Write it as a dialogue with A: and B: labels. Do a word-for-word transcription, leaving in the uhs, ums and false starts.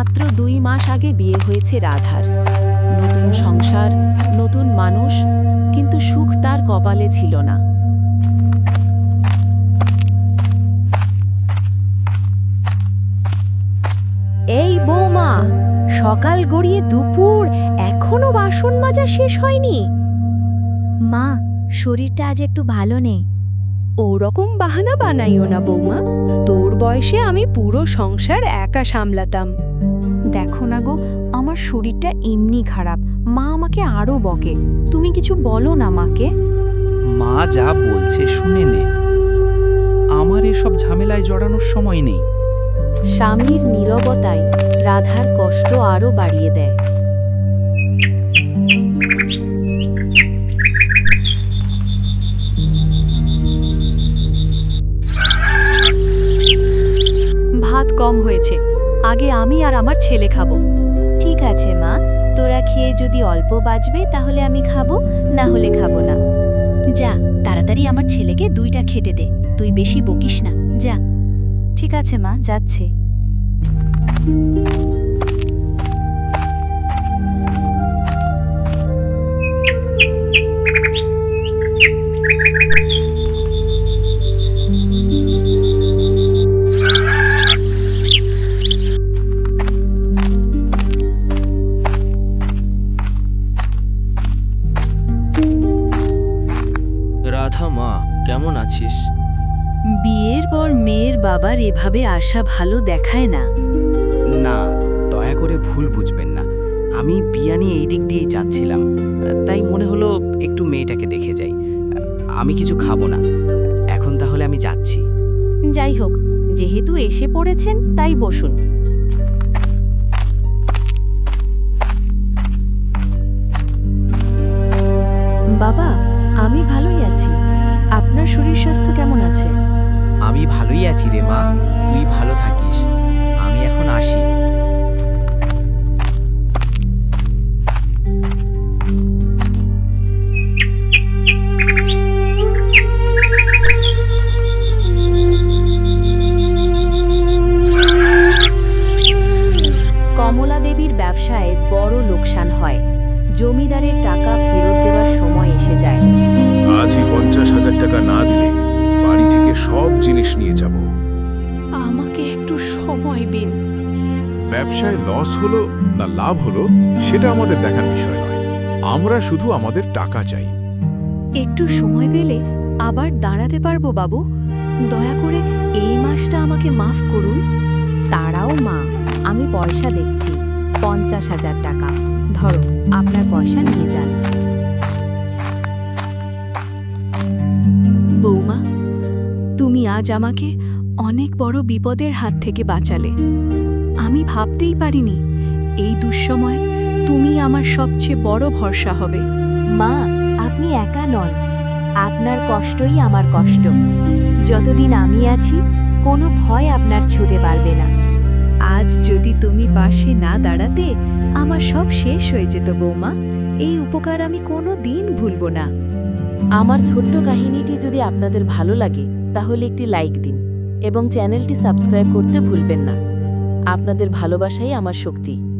A: মাত্র দুই মাস আগে বিয়ে হয়েছে রাধার। নতুন সংসার, নতুন মানুষ, কিন্তু সুখ তার কপালে ছিল না।
B: এই বৌমা, সকাল গড়িয়ে দুপুর, এখনো বাসন মাজা শেষ হয়নি?
C: মা, শরীরটা আজ একটু ভালো নেই।
B: ওরকম বাহানা বানাইও না বৌমা, তোর বয়সে আমি পুরো সংসার একা সামলাতাম।
C: দেখো না গো, আমার শরীরটা এমনি খারাপ, মা আমাকে আরো বকে। তুমি কিছু বলো না মাকে।
D: মা যা বলছে শুনে নে, আমার এসব ঝামেলায় জড়ানোর সময় নেই।
A: স্বামীর নীরবতায় রাধার কষ্ট আরও বাড়িয়ে দেয়।
B: ভাত কম হয়েছে, আগে আমি আর আমার ছেলে খাবো।
C: ঠিক আছে মা, তোরা খেয়ে যদি অল্প বাঁচবে তাহলে আমি খাবো, না হলে খাবো না।
B: যা, তাড়াতাড়ি আমার ছেলেকে দুইটা খেটে দে, তুই বেশি বকিস না, যা।
C: ঠিক আছে মা, যাচ্ছে।
E: রাধা মা, কেমন আছিস?
B: বিয়ের পর মেয়ের বাবার এভাবে আসা ভালো দেখায় না।
E: না, দয়া করে ভুল বুঝবেন না, আমি বিয়া নিয়ে এই দিক দিয়েই যাচ্ছিলাম, তাই মনে হলো একটু মেয়েটাকে দেখে যাই। আমি কিছু খাবো না, এখন তাহলে আমি যাচ্ছি।
B: যাই হোক, যেহেতু এসে পড়েছেন তাই বসুন। বাবা, আমি ভালোই আছি। আপনার শরীর স্বাস্থ্য কেমন আছে?
E: আমি ভালোই আছি রে মা, তুই ভালো থাকিস। আমি এখন আসি।
A: কমলা দেবীর ব্যবসায় বড় লোকসান হয়। জমিদারের টাকা ফেরত দেওয়ার সময় এসে যায়।
F: আজই পঞ্চাশ হাজার টাকা না দিলে বাড়ি থেকে সব জিনিস নিয়ে যাব।
B: আমাকে একটু সময় দিন।
F: ব্যবসায় লস হলো না লাভ হলো সেটা আমাদের দেখার বিষয় নয়, আমরা শুধু আমাদের টাকা চাই।
B: একটু সময় পেলে আবার দাঁড়াতে পারবো বাবু? দয়া করে এই মাসটা আমাকে মাফ করুন।
A: তারাও মা, আমি পয়সা দেখছি, পঞ্চাশ হাজার টাকা ধরো, আপনার পয়সা নিয়ে যান।
B: বৌমা, তুমি আজ আমাকে অনেক বড় বিপদের হাত থেকে বাঁচালে। আমি ভাবতেই পারিনি এই দুঃসময় তুমি আমার সবচেয়ে বড় ভরসা হবে।
C: মা, আপনি একা নন, আপনার কষ্টই আমার কষ্ট। যতদিন আমি আছি, কোনো ভয় আপনার ছুঁতে পারবে না।
B: আজ যদি তুমি পাশে না দাঁড়াতে আমার সব শেষ হয়ে যেত বৌমা। এই উপকার আমি কোনো দিন ভুলব না।
A: আমার ছোট্ট কাহিনীটি যদি আপনাদের ভালো লাগে তাহলে একটি লাইক দিন এবং চ্যানেলটি সাবস্ক্রাইব করতে ভুলবেন না। আপনাদের ভালোবাসাই আমার শক্তি।